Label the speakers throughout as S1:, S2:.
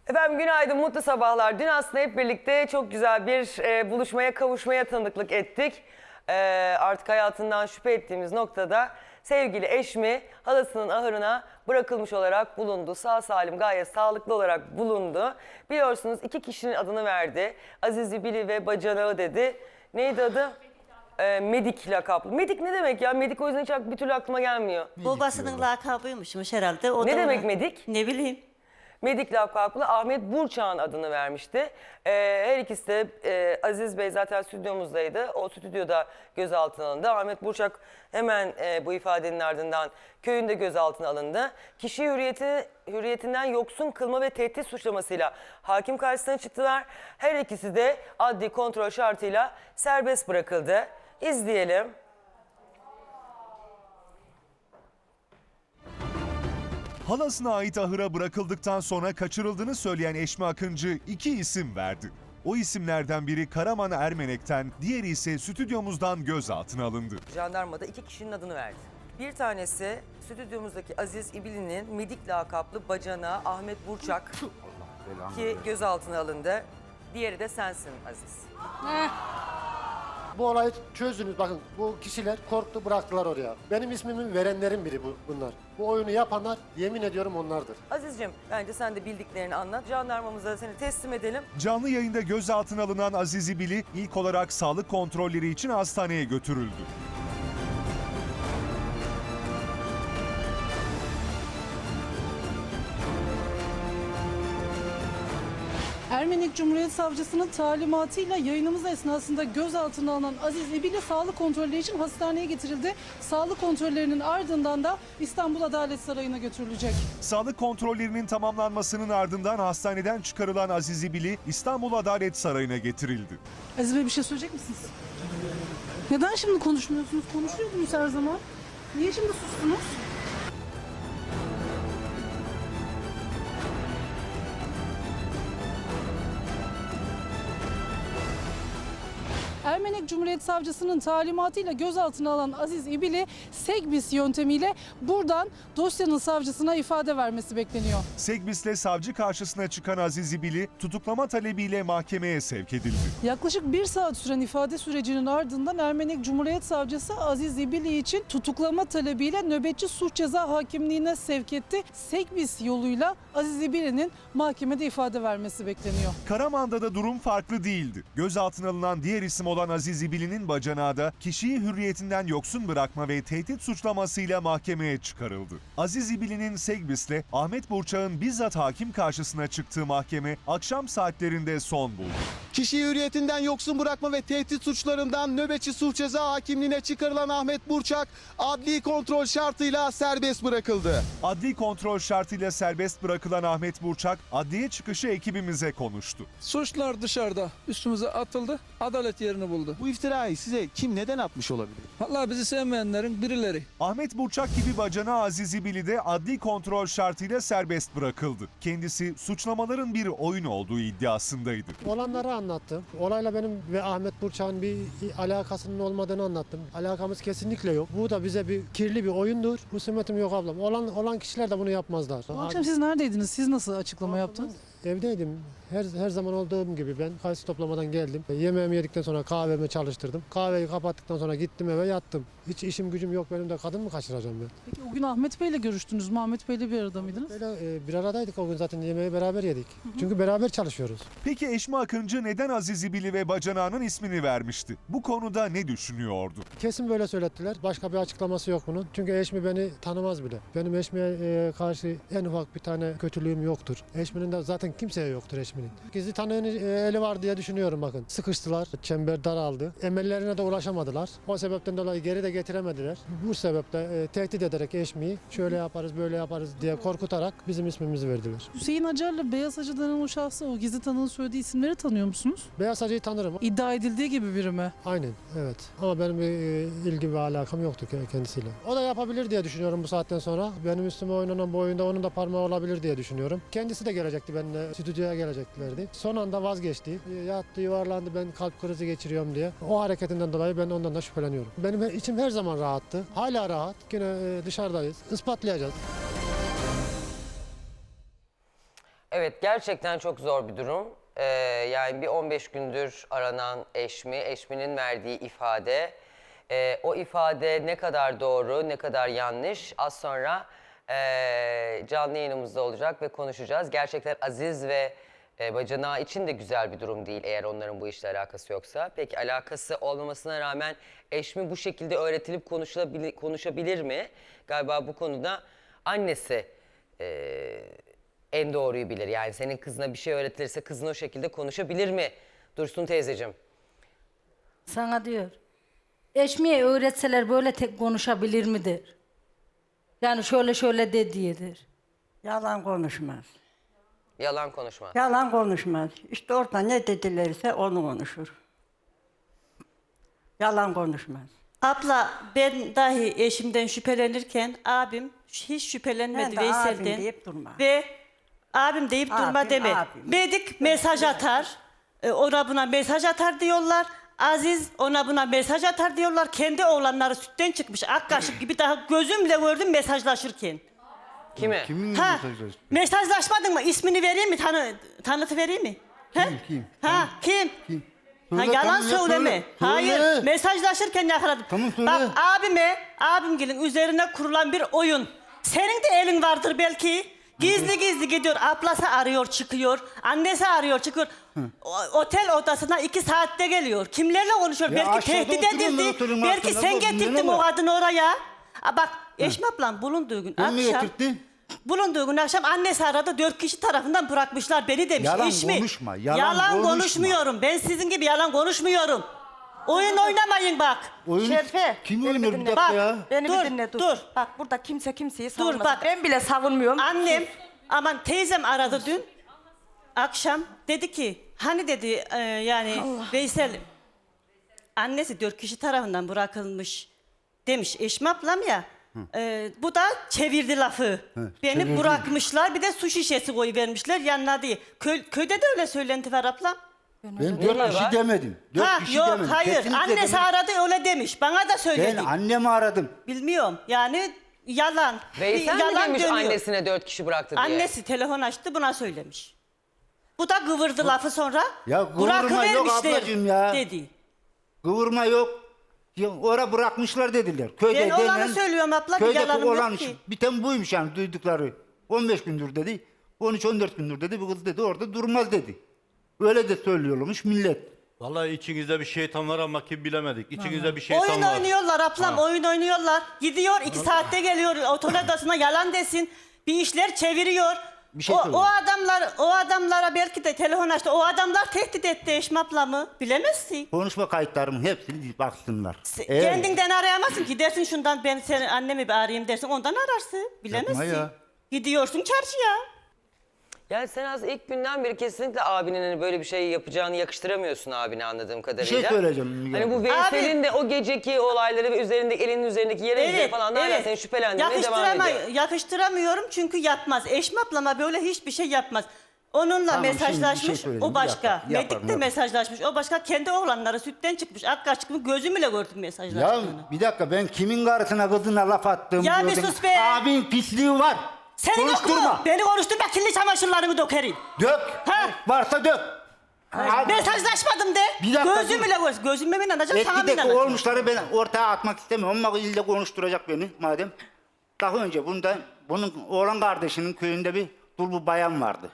S1: Efendim günaydın, mutlu sabahlar. Dün aslında hep birlikte çok güzel bir buluşmaya, kavuşmaya tanıklık ettik. Artık hayatından şüphe ettiğimiz noktada sevgili eşmi halasının ahırına bırakılmış olarak bulundu. Sağ salim, gayet sağlıklı olarak bulundu. Biliyorsunuz 2 kişinin adını verdi. Aziz Bili ve Bacanağı dedi. Neydi adı? Medik lakaplı. Medik ne demek ya? Medik o yüzden hiç bir türlü aklıma gelmiyor.
S2: Babasının lakabıymışmış herhalde. O
S1: Ne
S2: da
S1: demek
S2: ona-
S1: Medik?
S2: Ne bileyim.
S1: Medik lakaplı Ahmet Burçak'ın adını vermişti. Her ikisi de Aziz Bey zaten stüdyomuzdaydı. O stüdyoda gözaltına alındı. Ahmet Burçak hemen bu ifadenin ardından köyünde gözaltına alındı. Kişiyi hürriyetinden yoksun kılma ve tehdit suçlamasıyla hakim karşısına çıktılar. Her ikisi de adli kontrol şartıyla serbest bırakıldı. İzleyelim.
S3: Halasına ait ahıra bırakıldıktan sonra kaçırıldığını söyleyen Eşmi Akıncı 2 isim verdi. O isimlerden biri Karaman Ermenek'ten, diğeri ise stüdyomuzdan gözaltına alındı.
S1: Jandarmada 2 kişinin adını verdi. Bir tanesi stüdyomuzdaki Aziz İbili'nin Medik lakaplı bacanağı Ahmet Burçak ki gözaltına alındı. Diğeri de sensin Aziz.
S4: Bu olayı çözdünüz. Bakın bu kişiler korktu, bıraktılar oraya. Benim ismimi verenlerin biri bunlar. Bu oyunu yapanlar yemin ediyorum onlardır.
S1: Aziz'cim bence sen de bildiklerini anlat. Jandarmamıza seni teslim edelim.
S3: Canlı yayında gözaltına alınan Aziz İbili ilk olarak sağlık kontrolleri için hastaneye götürüldü.
S5: Ermenek Cumhuriyet Savcısının talimatıyla yayınımız esnasında gözaltına alınan Aziz İbili sağlık kontrolü için hastaneye getirildi. Sağlık kontrollerinin ardından da İstanbul Adalet Sarayı'na götürülecek.
S3: Sağlık kontrollerinin tamamlanmasının ardından hastaneden çıkarılan Aziz İbili İstanbul Adalet Sarayı'na getirildi.
S5: Aziz Bey bir şey söyleyecek misiniz? Neden şimdi konuşmuyorsunuz? Konuşuyordunuz her zaman. Niye şimdi sustunuz? Ermenek Cumhuriyet Savcısının talimatıyla gözaltına alan Aziz İbili, Segbis yöntemiyle buradan dosyanın savcısına ifade vermesi bekleniyor.
S3: Segbis'le savcı karşısına çıkan Aziz İbili tutuklama talebiyle mahkemeye sevk edildi.
S5: Yaklaşık 1 saat süren ifade sürecinin ardından Ermenek Cumhuriyet Savcısı Aziz İbili için tutuklama talebiyle nöbetçi suç ceza hakimliğine sevk etti. Segbis yoluyla Aziz İbili'nin mahkemede ifade vermesi bekleniyor.
S3: Karaman'da da durum farklı değildi. Gözaltına alınan diğer isim olan Aziz İbili'nin bacanağı da kişiyi hürriyetinden yoksun bırakma ve tehdit suçlamasıyla mahkemeye çıkarıldı. Aziz İbili'nin Segbis'le Ahmet Burçak'ın bizzat hakim karşısına çıktığı mahkeme akşam saatlerinde son buldu.
S6: Kişiyi hürriyetinden yoksun bırakma ve tehdit suçlarından nöbetçi suç ceza hakimliğine çıkarılan Ahmet Burçak adli kontrol şartıyla serbest bırakıldı.
S3: Adli kontrol şartıyla serbest bırakılan Ahmet Burçak, adliye çıkışı ekibimize konuştu.
S7: Suçlar dışarıda üstümüze atıldı. Adalet yerini buldu.
S6: Bu iftirayı size kim neden atmış olabilir?
S7: Vallahi bizi sevmeyenlerin birileri.
S3: Ahmet Burçak gibi bacanağı Aziz İbili de adli kontrol şartıyla serbest bırakıldı. Kendisi suçlamaların bir oyun olduğu iddiasındaydı.
S4: Olanları anlattım. Olayla benim ve Ahmet Burçak'ın bir alakasının olmadığını anlattım. Alakamız kesinlikle yok. Bu da bize bir kirli bir oyundur. Husumetim yok ablam. Olan kişiler de bunu yapmazlar.
S5: Bu akşam siz neredeydiniz? Siz nasıl açıklama yaptınız?
S4: Evdeydim. Her zaman olduğum gibi ben kayısı toplamadan geldim. Yemeğimi yedikten sonra kahvemi çalıştırdım. Kahveyi kapattıktan sonra gittim eve yattım. Hiç işim gücüm yok benim de, kadın mı kaçıracağım ben?
S5: Peki o gün Ahmet Bey'le görüştünüz mü? Ahmet Bey'le bir arada mıydınız?
S4: Böyle bir aradaydık o gün, zaten yemeği beraber yedik. Çünkü beraber çalışıyoruz.
S3: Peki Eşmi Akıncı neden Aziz İbili ve bacanağının ismini vermişti? Bu konuda ne düşünüyordu?
S4: Kesin böyle söylettiler. Başka bir açıklaması yok bunun. Çünkü Eşmi beni tanımaz bile. Benim Eşmi'ye karşı en ufak bir tane kötülüğüm yoktur. Eşmi'nin de zaten kimseye yoktur Eşmi'nin. Gizli tanığın eli var diye düşünüyorum bakın. Sıkıştılar, çember daraldı. Emellerine de ulaşamadılar. O sebepten dolayı geri de getiremediler. Bu sebeple tehdit ederek Eşmi'yi şöyle yaparız, böyle yaparız diye korkutarak bizim ismimizi verdiler.
S5: Hüseyin Acar'la Beyaz Hacı denen o şahsı, o gizli tanığın söylediği isimleri tanıyor musunuz?
S4: Beyaz Hacı'yı tanırım.
S5: İddia edildiği gibi biri mi?
S4: Aynen, evet. Ama benim bir ilgi ve alakam yoktu kendisiyle. O da yapabilir diye düşünüyorum bu saatten sonra. Benim üstüme oynanan bu oyunda onun da parmağı olabilir diye düşünüyorum. Kendisi de gelecekti benimle, stüdyoya geleceklerdi. Son anda vazgeçti. Yattı, yuvarlandı, ben kalp krizi geçiriyorum diye. O hareketinden dolayı ben ondan da şüpheleniyorum. Benim içim her zaman rahattı. Hala rahat. Yine dışarıdayız. Ispatlayacağız.
S1: Evet, gerçekten çok zor bir durum. Yani bir 15 gündür aranan eşminin verdiği ifade. O ifade ne kadar doğru, ne kadar yanlış az sonra canlı yayınımızda olacak ve konuşacağız. Gerçekten Aziz ve bacanağı için de güzel bir durum değil eğer onların bu işle alakası yoksa. Peki alakası olmamasına rağmen eşmi bu şekilde öğretilip konuşabilir mi? Galiba bu konuda annesi en doğruyu bilir. Yani senin kızına bir şey öğretilirse kızın o şekilde konuşabilir mi? Dursun teyzeciğim.
S8: Sana diyor. Eşmiye öğretseler böyle tek konuşabilir midir? Yani şöyle şöyle de diyedir.
S9: Yalan konuşmaz.
S1: Yalan konuşma.
S9: Yalan konuşmaz. İşte orada ne dedilerse onu konuşur. Yalan konuşmaz.
S2: Abla ben dahi eşimden şüphelenirken abim hiç şüphelenmedi
S9: Ben de abim
S2: Veysel'den.
S9: deyip durma.
S2: Ve abim deyip durma
S9: Abim,
S2: deme.
S9: abim.
S2: Bedik mesaj atar. Ona buna mesaj atar diyorlar. Aziz ona buna mesaj atar diyorlar. Kendi oğlanları sütten çıkmış ak kaşık gibi daha gözümle gördüm mesajlaşırken.
S1: Kime?
S2: Ha, mesajlaşmadın mı? İsmini vereyim mi? Tanıtı vereyim mi?
S10: Kim?
S2: Ha, kim? Ha,
S10: Söyle,
S2: yalan
S10: tamam ya,
S2: söyleme.
S10: söyle.
S2: Hayır,
S10: Söyle.
S2: mesajlaşırken yakaladım.
S10: Tamam, söyle.
S2: Bak abimgilin üzerine kurulan bir oyun. Senin de elin vardır belki. Gizli gizli gidiyor. Ablası arıyor çıkıyor. Annesi arıyor çıkıyor. Otel odasına 2 saatte geliyor. Kimlerle konuşuyor?
S10: Ya
S2: belki
S10: aşağıda
S2: tehdit
S10: oturuyorum ben
S2: edildi.
S10: otelin
S2: Belki
S10: altında.
S2: sen
S10: Bu
S2: getirdin
S10: ne
S2: o
S10: var?
S2: kadını oraya. Bak Eşme ablam bulunduğu gün
S10: Ben mi
S2: akşam.
S10: getirttim?
S2: Bulunduğu gün akşam annesi aradı 4 kişi tarafından bırakmışlar beni demiş.
S10: Yalan
S2: İş mi?
S10: konuşma, yalan konuşma.
S2: konuşmuyorum. Ben sizin gibi yalan konuşmuyorum. Oyun oynamayın bak.
S10: Oyun
S9: Şerife,
S10: kim
S9: beni
S10: oynuyor
S9: bir
S10: bir
S9: dinle.
S10: dakika
S2: Bak,
S10: ya?
S9: Beni
S2: Dur,
S9: bir dinle dur.
S2: dur.
S9: Bak burada kimse kimseyi savunmasın.
S2: bak.
S9: Ben bile savunmuyorum.
S2: Annem aman teyzem aradı dün akşam dedi ki hani dedi yani Veysel annesi 4 kişi tarafından bırakılmış demiş Eşme ablam ya. Bu da çevirdi lafı. Beni
S10: çevirdi.
S2: bırakmışlar bir de su şişesi koyuvermişler yanına diye. Köyde de öyle söylenti var ablam.
S10: Ben
S1: Ne
S10: 4
S1: var?
S10: kişi demedim. 4
S2: Ha
S10: kişi
S2: yok
S10: demedim.
S2: hayır
S10: Kesinlikle
S2: annesi
S10: demedim.
S2: aradı öyle demiş bana da söyledi.
S10: Ben annemi aradım.
S2: Bilmiyorum yani yalan.
S1: Veysel mi
S2: yalan
S1: demiş
S2: dönüyor.
S1: annesine 4 kişi bıraktı diye?
S2: Annesi telefon açtı buna söylemiş. Bu da kıvırdı lafı sonra.
S10: Ya kıvırma yok
S2: bırakıvermişler
S10: ablacığım ya.
S2: dedi.
S10: Kıvırma yok. Ya, oraya bırakmışlar dediler. Köyde
S2: Ben olanı söylüyorum abla, bir
S10: Köydeki
S2: yalanım yok
S10: olan
S2: ki.
S10: biten buymuş yani duydukları. 15 gündür dedi. 13-14 gündür dedi. Bu kız dedi orada durmaz dedi. Öyle de söylüyormuş millet.
S11: Vallahi içinizde bir şeytan var ama kim bilemedik. İçinizde bir şeytan
S2: Oyun
S11: var.
S2: oynuyorlar ablam oyun oynuyorlar. Gidiyor 2 saatte geliyor otel odasına yalan desin. Bir işler çeviriyor.
S10: Bir şey
S2: o
S10: söyleyeyim.
S2: adamlara belki de telefon açtı. O adamlar tehdit etti Eşme ablamı. Bilemezsin.
S10: Konuşma kayıtlarımın hepsini baksınlar. Eğer-
S2: Kendinden arayamazsın ki dersin şundan ben seni annemi bir arayayım dersin ondan ararsın. Bilemezsin.
S10: Yapma ya.
S2: Gidiyorsun çarşıya.
S1: Yani sen az ilk günden beri kesinlikle abinin hani böyle bir şey yapacağını yakıştıramıyorsun abine anladığım kadarıyla.
S10: şey söyleyeceğim Müge
S1: Hani bu
S10: abla.
S1: Veysel'in de o geceki olayları ve üzerindeki elinin üzerindeki yere izleri falan hala seni şüphelendirmeye devam ediyor.
S2: Yakıştıramıyorum çünkü yapmaz. Eşme ablama böyle hiçbir şey yapmaz. Onunla
S10: Tamam, şimdi bir şey
S2: mesajlaşmış
S10: söyleyeyim.
S2: o
S10: Bir
S2: başka.
S10: dakika, yaparım,
S2: Medik'te
S10: yaparım.
S2: mesajlaşmış o başka. Kendi oğlanları sütten çıkmış. Akka çıkmış gözümle gördüm
S10: Ya
S2: mesajlaştığını.
S10: bir dakika ben kimin karısına kızına laf attığımı
S2: Ya bir
S10: gördüm.
S2: sus be!
S10: Abin pisliği var.
S2: Senin yok
S10: Konuşturma.
S2: mu? Beni konuşturma kirli çamaşırlarımı dökerim.
S10: Dök.
S2: Ha?
S10: Varsa dök. Abi,
S2: Mesajlaşmadım de.
S10: Bir dakika,
S2: Gözümle gördüm. Gözümle mi inanacağım sana mı
S10: Etkideki
S2: inanacağım?
S10: olmuşları ben ortaya atmak istemiyorum ama ille konuşturacak beni madem. Daha önce bunun oğlan kardeşinin köyünde bir dul bir bayan vardı.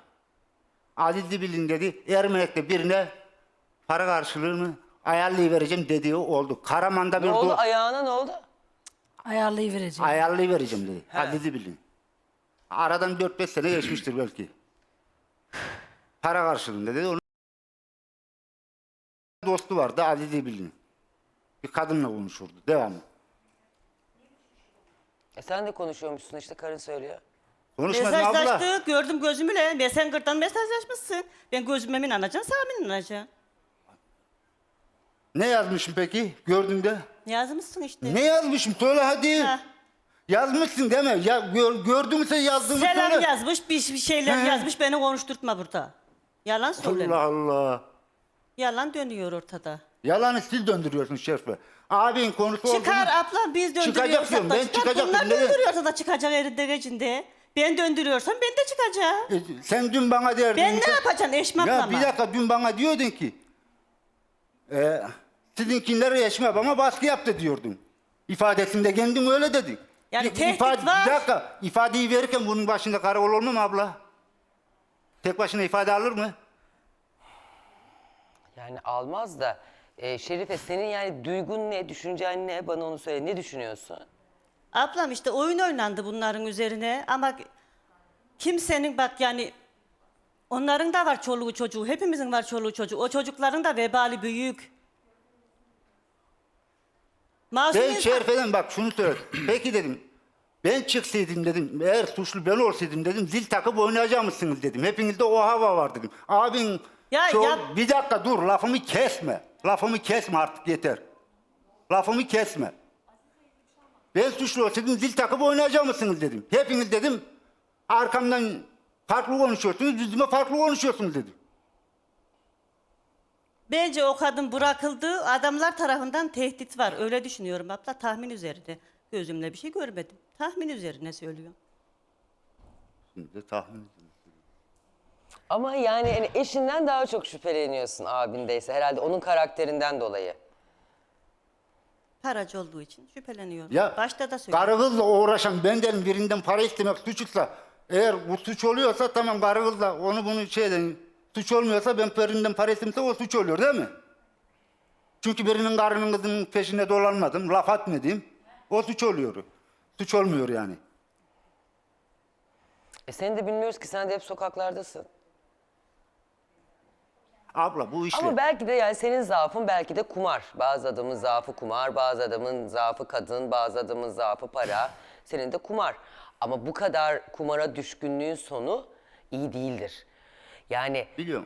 S10: Aziz Dibil'in dedi Ermenek'te birine para karşılığını ayarlayıvereceğim dediği oldu. Karaman'da bir
S1: Ne oldu ayağına ne oldu?
S8: Ayarlayıvereceğim.
S10: ayarlayıvereceğim dedi. Aziz Dibil'in. Aradan 4-5 sene geçmiştir belki. Para karşılığında dedi. Onun dostu vardı Aziz Dibil'in. Bir kadınla konuşurdu. Devamlı.
S1: Sen de konuşuyormuşsun işte karın söylüyor.
S10: Konuşmasın abla.
S2: Mesajlaştık gördüm gözümle. Messenger'dan mesajlaşmışsın. Ben gözüme mi inanacaksın sana mı inanacaksın?
S10: Ne yazmışım peki gördüğünde?
S2: Yazmışsın işte.
S10: Ne yazmışım söyle hadi.
S2: Ha.
S10: Yazmışsın deme. Ya gördüğümse yazdığımı
S2: Selam
S10: söyle.
S2: yazmış, bir şeyler
S10: He.
S2: yazmış. Beni konuşturtma burada. Yalan söyleme.
S10: Allah Allah.
S2: Yalan dönüyor ortada.
S10: Yalanı siz döndürüyorsun Şerife. Abin konusu oldu mu?
S2: Çıkar abla biz
S10: Çıkacak
S2: döndürüyorsak
S10: diyorum,
S2: da
S10: ben
S2: çıkar.
S10: çıkacak
S2: Bunlar
S10: diyorum, neden?
S2: döndürüyorsa da çıkacak elinde gecinde. Ben döndürüyorsam ben de çıkacağım.
S10: Sen dün bana derdin.
S2: Ben ne yapacağım Eşme
S10: Ya
S2: ablama?
S10: bir dakika, dün bana diyordun ki sizinkiler Eşme bana baskı yaptı diyordun. İfadesinde kendin öyle dedin.
S2: Yani tehdit var.
S10: Bir dakika, ifadeyi verirken bunun başında karakol olmuyor mu abla? Tek başına ifade alır mı?
S1: Yani almaz da. Şerife senin yani duygun ne, düşüncen ne? Bana onu söyle. Ne düşünüyorsun?
S2: Ablam işte oyun oynandı bunların üzerine ama kimsenin bak yani onların da var çoluğu çocuğu, hepimizin var çoluğu çocuğu. O çocukların da vebali büyük. Masum
S10: Ben
S2: insan-
S10: Şerife'den bak şunu söyledim. Peki dedim, ben çıksaydım dedim, eğer suçlu ben olsaydım dedim, zil takıp oynayacak mısınız dedim. Hepinizde o hava var dedim. Abin bir dakika dur, lafımı kesme. Lafımı kesme artık, yeter. Lafımı kesme. Ben suçlu olsaydım zil takıp oynayacak mısınız dedim. Hepiniz dedim arkamdan farklı konuşuyorsunuz, yüzüme farklı konuşuyorsunuz dedim.
S2: Bence o kadın bırakıldı. Adamlar tarafından tehdit var. Öyle düşünüyorum abla. Tahmin üzerine. Gözümle bir şey görmedim. Tahmin üzerine söylüyorum.
S10: Şimdi de tahmin edin.
S1: Ama yani eşinden daha çok şüpheleniyorsun abindeyse. Herhalde onun karakterinden dolayı.
S2: Paracı olduğu için şüpheleniyorum.
S10: Ya
S2: Başta da söyledim.
S10: karı kızla uğraşan benden birinden para istemek suçsa, eğer bu suç oluyorsa tamam, karı kızla onu bunu şeyden suç olmuyorsa, ben birinden para istemse o suç oluyor değil mi? Çünkü birinin karının kızının peşinde dolanmadım, laf atmadım. O suç oluyor. Suç olmuyor yani.
S1: Seni de bilmiyoruz ki, sen de hep sokaklardasın.
S10: Abla bu işte.
S1: Ama belki de yani senin zaafın belki de kumar. Bazı adamın zaafı kumar, bazı adamın zaafı kadın, bazı adamın zaafı para. Senin de kumar. Ama bu kadar kumara düşkünlüğün sonu iyi değildir. Yani
S10: Biliyorum.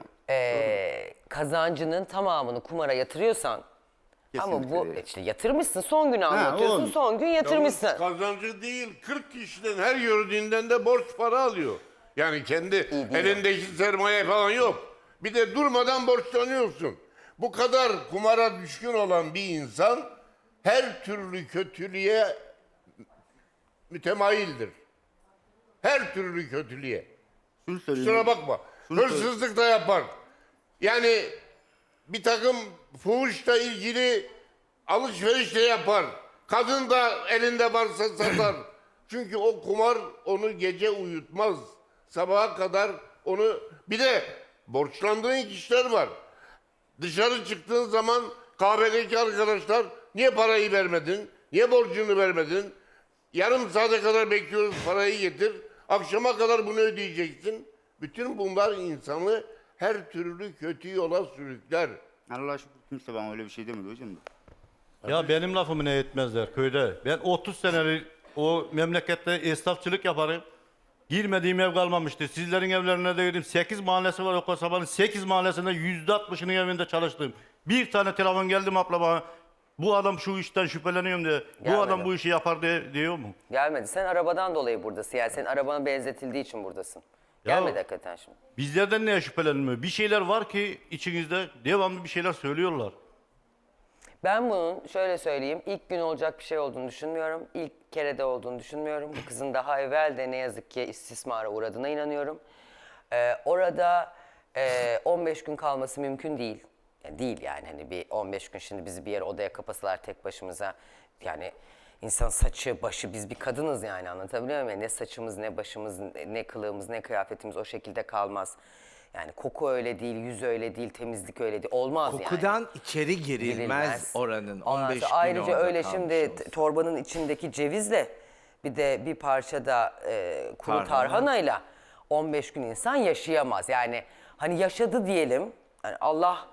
S1: kazancının tamamını kumara yatırıyorsan ama bu
S10: Kesinlikle.
S1: işte yatırmışsın, son günü anlatıyorsun,
S10: oğlum.
S1: son gün yatırmışsın.
S12: Yalnız kazancı değil, 40 kişiden her gördüğünden de borç para alıyor. Yani kendi elindeki sermaye falan yok. Bir de durmadan borçlanıyorsun. Bu kadar kumara düşkün olan bir insan her türlü kötülüğe mütemayildir. Her türlü kötülüğe.
S10: Şunu söyleyeyim.
S12: Kusura bakma. Hırsızlık da yapar. Yani bir takım fuhuşla ilgili alışveriş de yapar. Kadın da elinde varsa satar. Çünkü o kumar onu gece uyutmaz. Sabaha kadar onu... Bir de borçlandığın kişiler var. Dışarı çıktığın zaman kahvedeki arkadaşlar niye parayı vermedin? Niye borcunu vermedin? Yarım saate kadar bekliyoruz, parayı getir. Akşama kadar bunu ödeyeceksin. Bütün bunlar insanı her türlü kötü yola sürükler.
S10: Allah'a şükür kimse bana öyle bir şey demedi hocam.
S11: Ya benim lafımı ne etmezler köyde. Ben 30 senelik o memlekette esnafçılık yaparım. Girmediğim ev kalmamıştı. Sizlerin evlerine de girdim. 8 mahallesi var o kasabanın. 8 mahallesinde %60'ının evinde çalıştım. Bir tane telefon geldi mi abla bana. Bu adam şu işten şüpheleniyorum diye.
S1: Gelmedi.
S11: Bu adam bu işi yapar diyor mu?
S1: Gelmedi. Sen arabadan dolayı buradasın. Yani senin arabana benzetildiği için buradasın.
S11: Ya-
S1: Gelmedi hakikaten şimdi.
S11: Bizlerden neye şüphelenmiyor? Bir şeyler var ki içinizde devamlı bir şeyler söylüyorlar.
S1: Ben bunun şöyle söyleyeyim, ilk gün olacak bir şey olduğunu düşünmüyorum. İlk kerede olduğunu düşünmüyorum. Bu kızın daha evvel de ne yazık ki istismara uğradığına inanıyorum. Orada 15 gün kalması mümkün değil. Yani değil yani hani bir 15 gün şimdi bizi bir yere odaya kapasalar tek başımıza. Yani insan saçı, başı, biz bir kadınız yani, anlatabiliyor muyum? Ne saçımız, ne başımız, ne kılığımız, ne kıyafetimiz o şekilde kalmaz. Yani koku öyle değil, yüz öyle değil, temizlik öyle değil. Olmaz yani.
S13: Kokudan içeri girilmez oranın.
S1: Ondan
S13: 15
S1: sonra
S13: gün
S1: ayrıca
S13: orada
S1: öyle
S13: kalmış
S1: şimdi
S13: olsun.
S1: torbanın içindeki cevizle bir de bir parça da kuru
S13: Tarhana.
S1: tarhanayla 15 gün insan yaşayamaz. Yani hani yaşadı diyelim. Yani Allah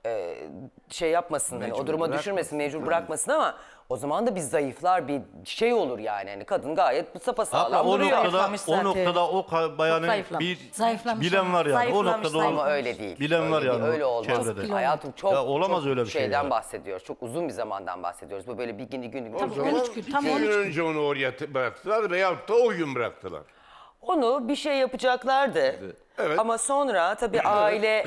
S1: şey yapmasın, hani o
S13: Mecbur
S1: duruma
S13: bırakmasın.
S1: düşürmesin, mecbur bırakmasın ama o zaman da biz zayıflar, bir şey olur yani. Hani kadın gayet sapasağlam
S11: Hatta o
S1: duruyor.
S11: noktada o bayanın bir bilen var yani. O noktada
S1: Ama öyle değil.
S11: bilen var
S1: Öyle değil,
S11: yani.
S1: öyle olmaz.
S11: Çevrede.
S1: Hayatım çok,
S11: Ya olamaz
S1: çok
S11: öyle bir şey
S1: şeyden
S11: ya.
S1: bahsediyoruz. Çok uzun bir zamandan bahsediyoruz. Bu böyle bir gün.
S12: O zaman 2 gün önce onu oraya bıraktılar veyahut da o gün bıraktılar.
S1: Onu bir şey yapacaklardı.
S12: Evet.
S1: Ama sonra tabii aile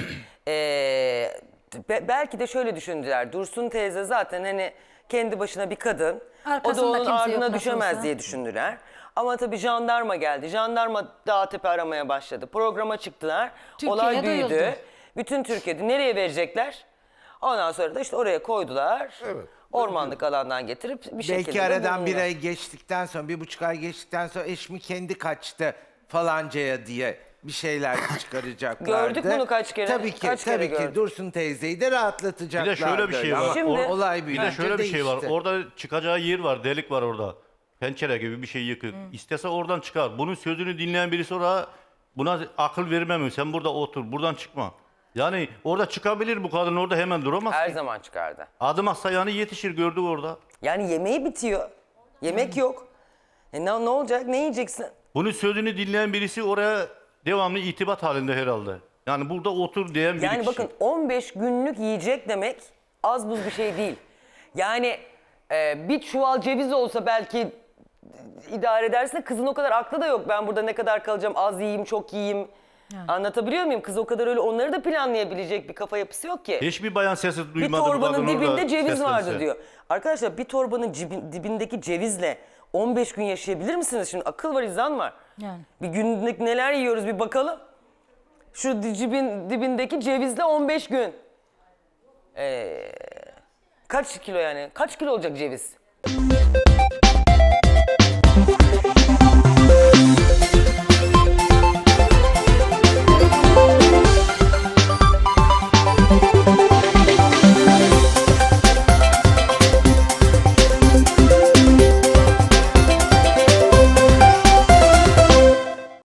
S1: belki de şöyle düşündüler. Dursun teyze zaten hani kendi başına bir kadın. O da
S8: Arkasında
S1: onun
S8: kimse yok
S1: ardına
S8: nasıl
S1: düşemez
S8: olsa.
S1: diye düşündüler. Ama tabii jandarma geldi. Jandarma Dağtepe aramaya başladı. Programa çıktılar.
S8: Türkiye'ye
S1: Olay büyüdü.
S8: duyuldu.
S1: Bütün Türkiye'de nereye verecekler? Ondan sonra da işte oraya koydular. Ormanlık alandan getirip bir şekilde
S13: Belki
S1: de
S13: aradan bir
S1: bulundular.
S13: ay geçtikten sonra, 1,5 ay geçtikten sonra eşmi kendi kaçtı falancaya diye bir şeyler çıkaracaklardı.
S1: Gördük bunu kaç kere,
S13: Tabii ki,
S1: kaç kere
S13: tabii ki
S1: gördük.
S13: Dursun teyzeyi de
S11: Bir
S13: rahatlatacaklardı.
S11: de şöyle bir şey
S13: Ama
S11: var.
S1: Şimdi-
S13: olay
S11: Bir
S13: büyüyünce
S11: de şöyle bir şey var.
S13: değişti.
S11: Orada çıkacağı yer var, delik var orada. Pencere gibi bir şey yıkık. İstese oradan çıkar. Bunun sözünü dinleyen birisi oraya buna akıl vermem. Sen burada otur, buradan çıkma. Yani orada çıkabilir bu kadın, orada hemen duramaz.
S1: Her
S11: ki.
S1: zaman çıkardı.
S11: Adım atsa yani yetişir, gördük orada.
S1: Yani yemeği bitiyor. Yemek yok. Ne olacak? Ne yiyeceksin?
S11: Bunun sözünü dinleyen birisi oraya devamlı itibat halinde herhalde. Yani burada otur diyen bir
S1: Yani
S11: kişi.
S1: bakın 15 günlük yiyecek demek az buz bir şey değil. Yani bir çuval ceviz olsa belki idare edersin de kızın o kadar aklı da yok. Ben burada ne kadar kalacağım, az yiyeyim, çok yiyeyim. Anlatabiliyor muyum? Kız o kadar öyle onları da planlayabilecek bir kafa yapısı yok ki.
S11: Hiçbir bayan sesi
S1: Bir
S11: duymadı bu
S1: torbanın
S11: kadın
S1: dibinde
S11: orada
S1: ceviz
S11: seslense.
S1: vardı diyor. Arkadaşlar bir torbanın dibindeki cevizle 15 gün yaşayabilir misiniz? Şimdi akıl var, izan var.
S8: Yani.
S1: Bir günlük neler yiyoruz bir bakalım. Şu dibindeki cevizle 15 gün. Kaç kilo yani? Kaç kilo olacak ceviz?